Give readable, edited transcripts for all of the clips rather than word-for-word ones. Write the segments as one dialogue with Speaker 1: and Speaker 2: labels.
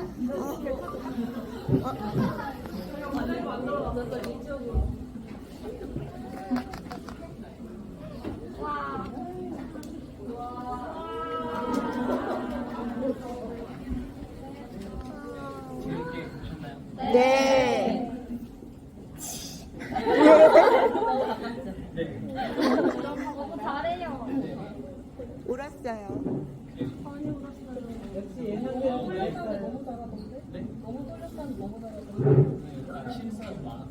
Speaker 1: 네.
Speaker 2: 잘해요.
Speaker 1: 울었어요.
Speaker 3: 역시 예상대로 잘했어요.
Speaker 2: 너무 잘하던데? 너무 떨렸다는 너무 잘하던데?
Speaker 4: 실수하지 마.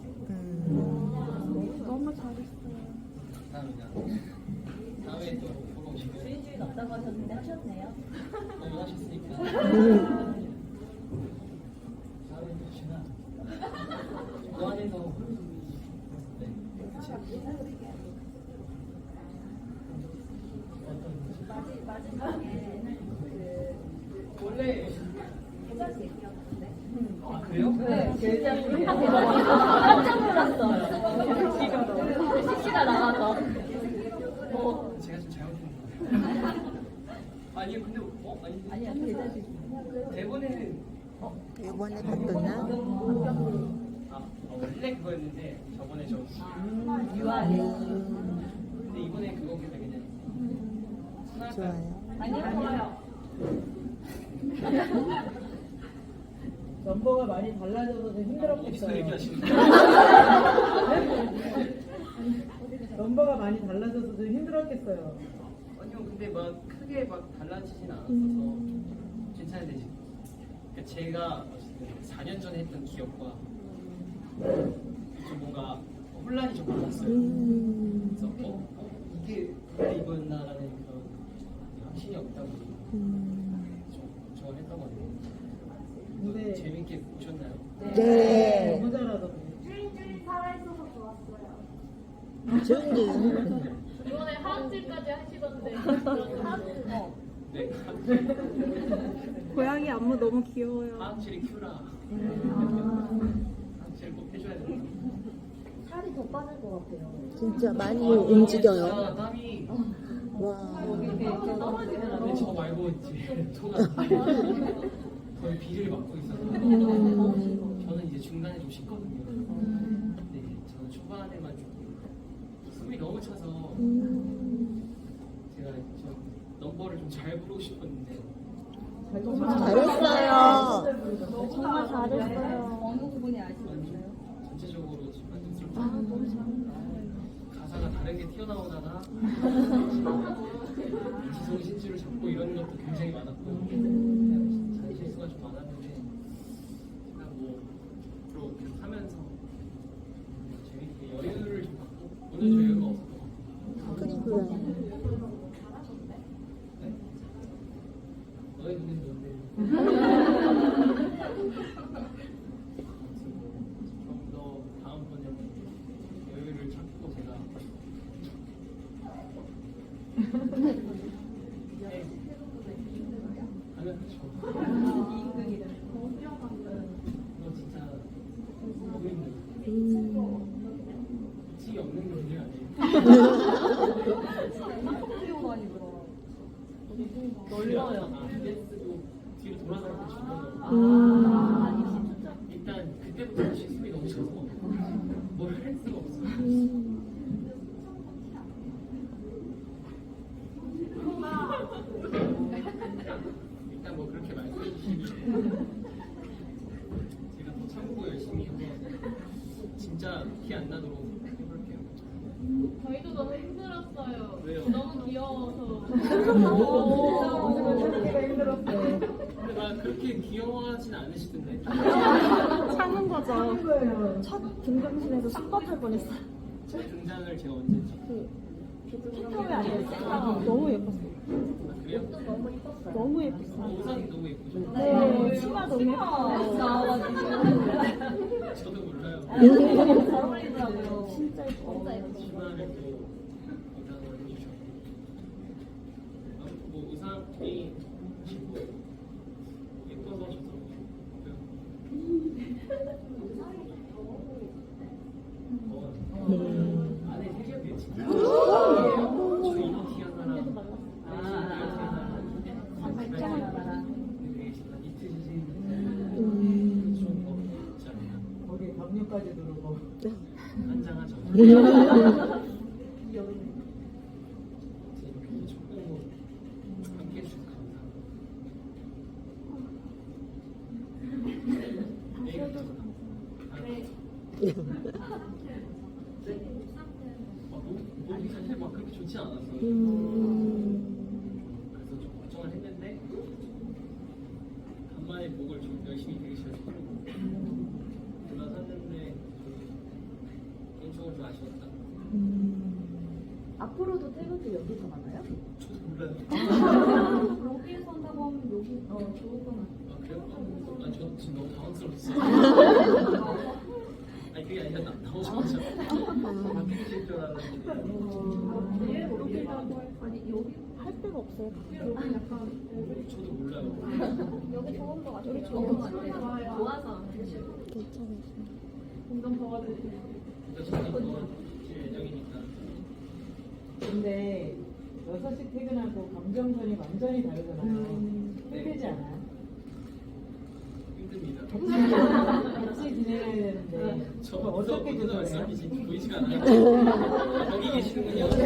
Speaker 2: 너무 잘했어요.
Speaker 4: 다음에 또 보러 오시면
Speaker 2: 주인주인 없다고 하셨는데 하셨네요.
Speaker 4: 너무 하셨으니까. 다음에 또 혹시나 그 안에서 네.
Speaker 2: 마지막에
Speaker 4: 원래
Speaker 2: 계좌 얘기였는데.
Speaker 4: 아 그래요?
Speaker 2: 네, 계좌 얘기. 깜짝 놀랐어요. CC가 나가서.
Speaker 4: 제가 좀 잘못했나 봐요. 아니 근데 아니
Speaker 2: 아니야, 계좌 얘기.
Speaker 4: 대본에는
Speaker 1: 이번에 봤었나?
Speaker 4: 원래 그거였는데 저번에 좀
Speaker 2: 유아리.
Speaker 4: 근데 이번에 그거보다 그냥
Speaker 1: 좋아요.
Speaker 2: 아니요.
Speaker 3: 넘버가 많이 달라져서 좀
Speaker 4: 어디서
Speaker 3: 힘들었겠어요.
Speaker 4: 얘기하시는 거예요?
Speaker 3: 넘버가 많이 달라져서 좀 힘들었겠어요.
Speaker 4: 아니요 근데 막 크게 막 달라지진 않았어서 괜찮은데 지금 그러니까 제가 어쨌든 4년 전에 했던 기억과 좀 뭔가 혼란이 좀 많았어요. 그래서 이게 원래 이거였나라는 그런 확신이 없다 보니 좀 좋아했던 것 같아요.
Speaker 3: 근데
Speaker 4: 재밌게 보셨나요?
Speaker 1: 네.
Speaker 3: 너무 잘하던데.
Speaker 5: 주인주인 살아있어서 좋았어요.
Speaker 1: 준준.
Speaker 5: 이번에 하악질까지 하시던데.
Speaker 4: 네.
Speaker 6: 고양이 안무 너무 귀여워요.
Speaker 4: 하악실이 큐라. 하악실 꼭 해줘야 된다.
Speaker 2: 살이 더 빠질 것 같아요.
Speaker 1: 진짜 많이 움직여요.
Speaker 4: 진짜 땀이
Speaker 1: 와.
Speaker 4: 근데 저 말고 이제 저가 거의 비를 맡고 있어서 저는 이제 중간에 좀 쉬거든요. 근데 이제 저는 초반에만 조금 숨이 너무 차서 제가 좀 넘버를 좀 잘 부르고 싶었는데
Speaker 1: 잘했어요.
Speaker 6: 정말 잘했어요.
Speaker 2: 어느 부분이 아쉬웠어요?
Speaker 4: 전체적으로 좀 만족스럽지 가사가 다르게 튀어나오다가 지성 신주를 잡고 이런 것도 굉장히 많았고 잔 실수가 좀 많았는데 제가 뭐 앞으로 계속 하면서 재밌게 여유를 좀 갖고 오늘 여유가 없었던 것 같아요.
Speaker 1: 그리고요.
Speaker 4: 네? 너의 눈엔 뭔데? 좀 더 다음번에는 여유를 찾고 제가 하면 그렇죠.
Speaker 2: 이인극이다.
Speaker 4: 이거 진짜 너무 힘들어. 미치기 없는 게 문제가 아니에요.
Speaker 2: 학교 많이 들어.
Speaker 4: 놀려요. 쓰고 뒤로 돌아갈 때 일단 그때부터 실습이 너무 차서 뭘 할 수가 없어요. 일단 뭐 그렇게 말씀해 주시면 제가 더 참고 열심히 해서 진짜 티 안 나도록 해볼게요.
Speaker 5: 저희도 너무 힘들었어요.
Speaker 4: 왜요?
Speaker 5: 너무 귀여워서.
Speaker 3: 참기가 힘들었어요.
Speaker 4: 근데 막 그렇게 귀여워하진 않으시던데.
Speaker 6: 참은 거죠.
Speaker 3: 거예요.
Speaker 6: 첫 등장신에서 순박할 뻔했어요.
Speaker 4: 첫 등장을 제가 언제 했지?
Speaker 6: 캣타워에 앉아있어요. 너무 예뻤어요.
Speaker 4: 아, 그래요?
Speaker 6: 너무 예뻤어요.
Speaker 4: 의상이 너무 예쁘죠?
Speaker 6: 네, 치마 너무 예뻐요.
Speaker 4: 저도 몰라요.
Speaker 2: 잘 어울리더라고요.
Speaker 6: 진짜 예뻐.
Speaker 4: 치마를 또 의상을 해주셨고 아무튼 뭐 의상이 예쁘고 예뻐서 저도 안에 색이 진짜 저희 티 하나랑 티 하나랑 되게 진짜 니트 지진
Speaker 3: 유튜브까지 누르고.
Speaker 4: 한장하죠. 이렇게 축구 함께 해주셔서 감사합니다. 몸이 사실 막 그렇게 좋지 않았어요. 그래서 좀 걱정을 했는데 간만에 목을 좀 열심히 되게 잘 쓰고 올라섰는데 개인적으로 좀 아쉬웠다.
Speaker 1: 앞으로도 태극기 여기서 만나요?
Speaker 4: 저도 몰라요.
Speaker 2: 여기에서 한다고 하면 여기 좋을 것 같아요.
Speaker 4: 아 그래요? 아, 저 지금 너무 당황스러웠어요. 아니 그게 아니라 나오자마자 바뀌실 줄 알았는데
Speaker 2: 아니 여기
Speaker 6: 할 데가 없어요.
Speaker 2: 여기 약간
Speaker 4: 저도 몰라요.
Speaker 5: 여기 좋은 거 같아요.
Speaker 2: 여기 좋은 것 같아요. 좋아서
Speaker 6: 괜찮아요.
Speaker 2: 공감 도와드릴게요.
Speaker 4: 여자친구 더 질 예정이니까.
Speaker 3: 근데 6시 퇴근하고 감정선이 완전히 다르잖아요. 힘들지 않아요?
Speaker 4: 힘듭니다.
Speaker 3: 같이 지내야 되는데
Speaker 4: 저
Speaker 3: 그거
Speaker 4: 어디서
Speaker 3: 어떻게 조절해요?
Speaker 4: 말씀이신지 보이지가 않아요. 거기 계시는군요. 네.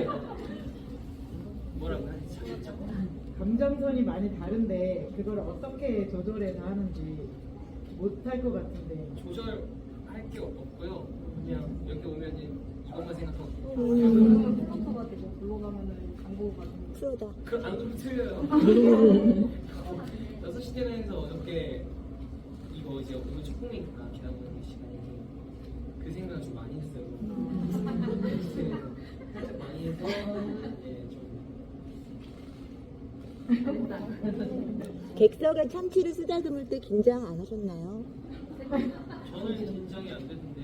Speaker 4: 뭐라고 하지? 잠깐만.
Speaker 3: 감정선이 많이 다른데 그걸 어떻게 조절해서 하는지 못할 것 같은데.
Speaker 4: 조절할 게 없고요. 그냥 여기 오면 이제 이것만 생각하고.
Speaker 2: 플로터가 되고 불러가면은 광고 같은 거.
Speaker 6: 프로다.
Speaker 4: 그 안 그러면 틀려요. 6시 퇴근해서 어저께 이거 이제 오늘 축구니까 기다려보는 시간이 그 생각을 좀 많이 했어요. 살짝 많이 해서
Speaker 1: 객석에 참치를 쓰다듬을 때 긴장 안 하셨나요?
Speaker 4: 저는 긴장이 안 되는데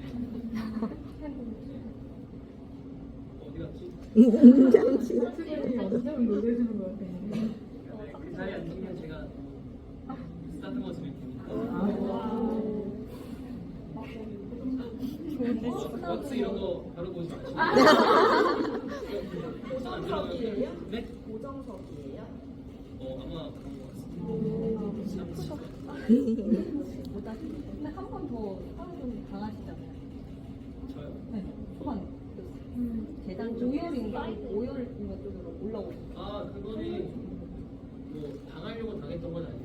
Speaker 4: 어디 갔지?
Speaker 1: 참치.
Speaker 3: 선생님이 엄청 놀래주는 것 같아요.
Speaker 4: 그 자리에 앉으면 제가 쓰다듬어 드릴 테니까 왁스 이런 거 바로 보지 마시고 고정석이에요? 네?
Speaker 1: 고정석이에요?
Speaker 4: 아마 그런 거 같습니다.
Speaker 2: 근데 한 번 더 하면 좀 강하시잖아요.
Speaker 4: 저요?
Speaker 2: 네. 초반 재단 5열인가 5열인가 쪽으로 올라오고.
Speaker 4: 아 그거는 뭐 당하려고 당했던 건 아니고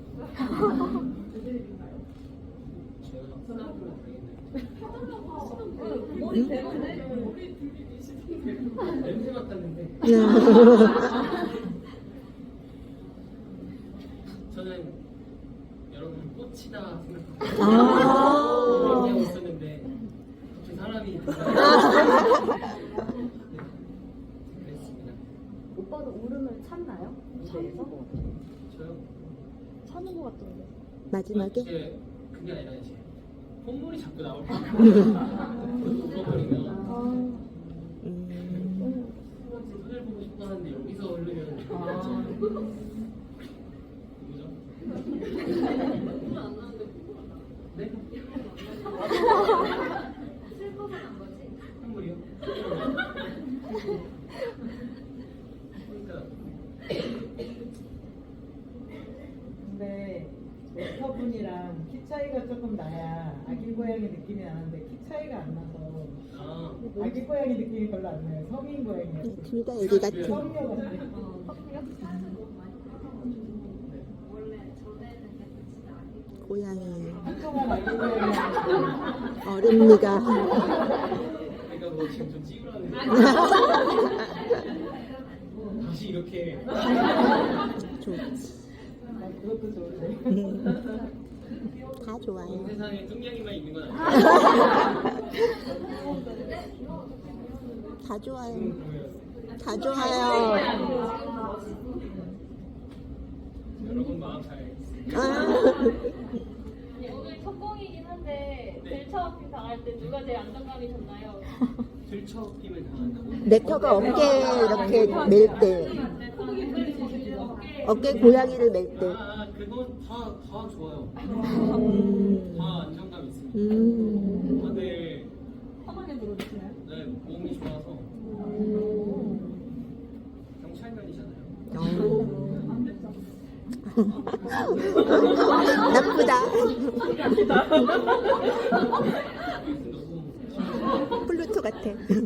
Speaker 4: 제가 쓰다듬어 당했나요?
Speaker 2: 머리 대박네.
Speaker 4: 냄새 맡았는데 저는 여러분 꽃이다 생각하고 얘기하고 있었는데 갑자기 사람이 그랬습니다.
Speaker 1: 오빠도 울음을 참나요? 무대에서?
Speaker 4: 저요?
Speaker 6: 사는 것 같던데.
Speaker 1: 마지막에?
Speaker 4: 이제 그게 아니라 이제 콧물이 자꾸 나올 거예요. 울어버리면 손을 보고 싶어 하는데 여기서 흐르면 뭐죠? 네?
Speaker 5: 슬퍼서 난 거지.
Speaker 4: 콧물이요? 그러니까
Speaker 3: 근데 웨터분이랑 키 차이가 조금 나야 아기 고양이 느낌이 나는데 키 차이가 안 나서
Speaker 4: 아
Speaker 3: 아기 고양이 느낌이 별로 안 나요. 성인 고양이였어요.
Speaker 1: 둘 다 애기 같은.
Speaker 3: 성녀 같아요.
Speaker 5: 원래 전에는 진짜 아니고.
Speaker 1: 고양이.
Speaker 3: 한동안 아기 고양이
Speaker 1: 어릅니다.
Speaker 4: 그러니까 뭐 지금 좀 찌우라는 다시 이렇게
Speaker 1: 좋지.
Speaker 3: 그것도 좋은데.
Speaker 1: 다 좋아요.
Speaker 4: 온 세상에 뚱냥이만 있는 건 아니에요.
Speaker 1: 다 좋아요.
Speaker 4: 보여요.
Speaker 1: 다 좋아요.
Speaker 4: 여러분 마음 잘 알겠습니다.
Speaker 1: 아,
Speaker 5: 오늘 첫 공이긴 한데 들쳐업힘 당할 때 누가 제일 안정감이셨나요?
Speaker 4: 들쳐힘을 당한다고?
Speaker 1: 넥터가 어깨 이렇게 멜 때. 어깨 고양이를 멜 때.
Speaker 4: 아 그건 다 좋아요. 다 안정감 있습니다. 다들
Speaker 2: 편하게 들어주시나요?
Speaker 4: 네, 몸이 좋아서 경찰관이잖아요.
Speaker 1: 나쁘다. 같아.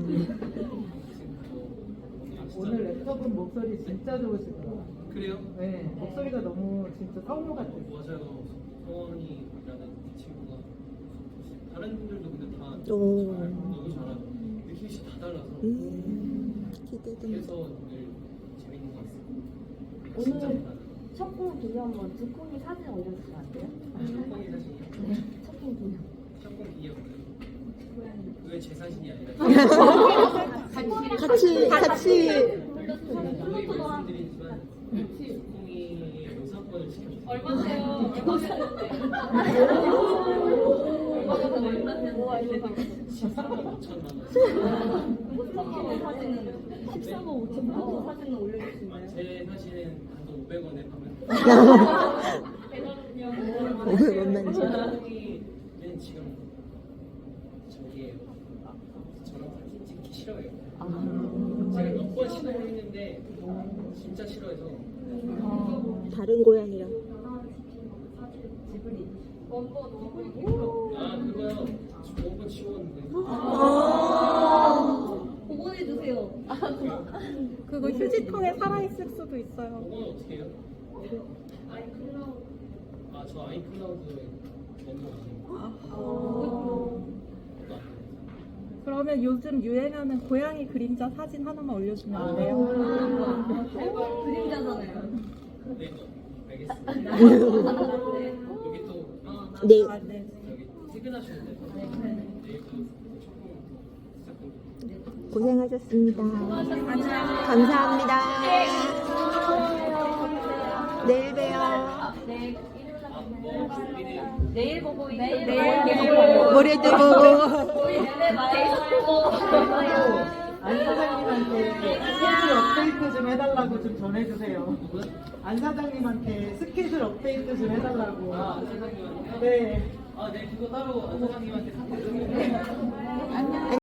Speaker 3: 오늘 랩터분 목소리 진짜 좋으시더라.
Speaker 4: 그래요?
Speaker 3: 네, 목소리가 너무 진짜 성우 같아.
Speaker 4: 맞아요. 성원이라는 친구가 다른 분들도 근데 다
Speaker 1: 오.
Speaker 4: 너무 잘하고 느낌이 다 달라서
Speaker 1: 기대됩니다.
Speaker 4: 그래서 오늘 재밌는 것 같습니다. 진짜
Speaker 2: 오늘
Speaker 4: 잘하는
Speaker 2: 첫공 기념으로 두콩이 사진 올려주시면 안 돼요?
Speaker 4: 첫공이 사진이요?
Speaker 2: 첫공 기념.
Speaker 4: 첫공 기억 그게 제 사진이 아니라
Speaker 1: 같이.
Speaker 4: 저희 말씀드리지만 첫공이의 요사건을 지켜주세요.
Speaker 5: 얼마세요? 얼마 사는데? 얼마 사는데?
Speaker 4: 13만 5천만 원.
Speaker 2: 첫공 사진은 13만 5천 원 사진을 올려주시나요?
Speaker 4: 제 사진은 단돈 500원에 파면
Speaker 5: 대단하군요.
Speaker 1: 뭔 말인지.
Speaker 4: 첫공이는 지금 저기에요. 저랑 사진 찍기 싫어해요. 제가 몇 번 시도를 했는데 진짜 싫어해서
Speaker 1: 다른 고양이랑.
Speaker 5: 원본 원본.
Speaker 4: 아 그거요. 원본 지웠는데
Speaker 2: 복원해주세요.
Speaker 6: 그거 휴지통에 살아있을 수도 있어요.
Speaker 4: 그거는 어떻게 해요? 아 저 아이클라우드에 원본 아니에요.
Speaker 6: 그러면 요즘 유행하는 고양이 그림자 사진 하나만 올려주면 안 돼요?
Speaker 2: 그림자잖아요.
Speaker 4: 네, 알겠습니다. 여기 또
Speaker 1: 네.
Speaker 6: 아, 네.
Speaker 4: 여기 퇴근하시는데 내일도 첫공 시작합니다.
Speaker 1: 고생하셨습니다. 감사합니다. 내일 봬요.
Speaker 5: 내일 보고
Speaker 2: 내일
Speaker 1: 모레도 보고.
Speaker 3: 안 사장님한테 스케줄 업데이트 좀 해달라고 좀 전해주세요. 안 사장님한테 스케줄 업데이트 좀 해달라고.
Speaker 4: 아 사장님한테
Speaker 3: 네.
Speaker 4: 네 그거 따로 안 사장님한테 카톡 좀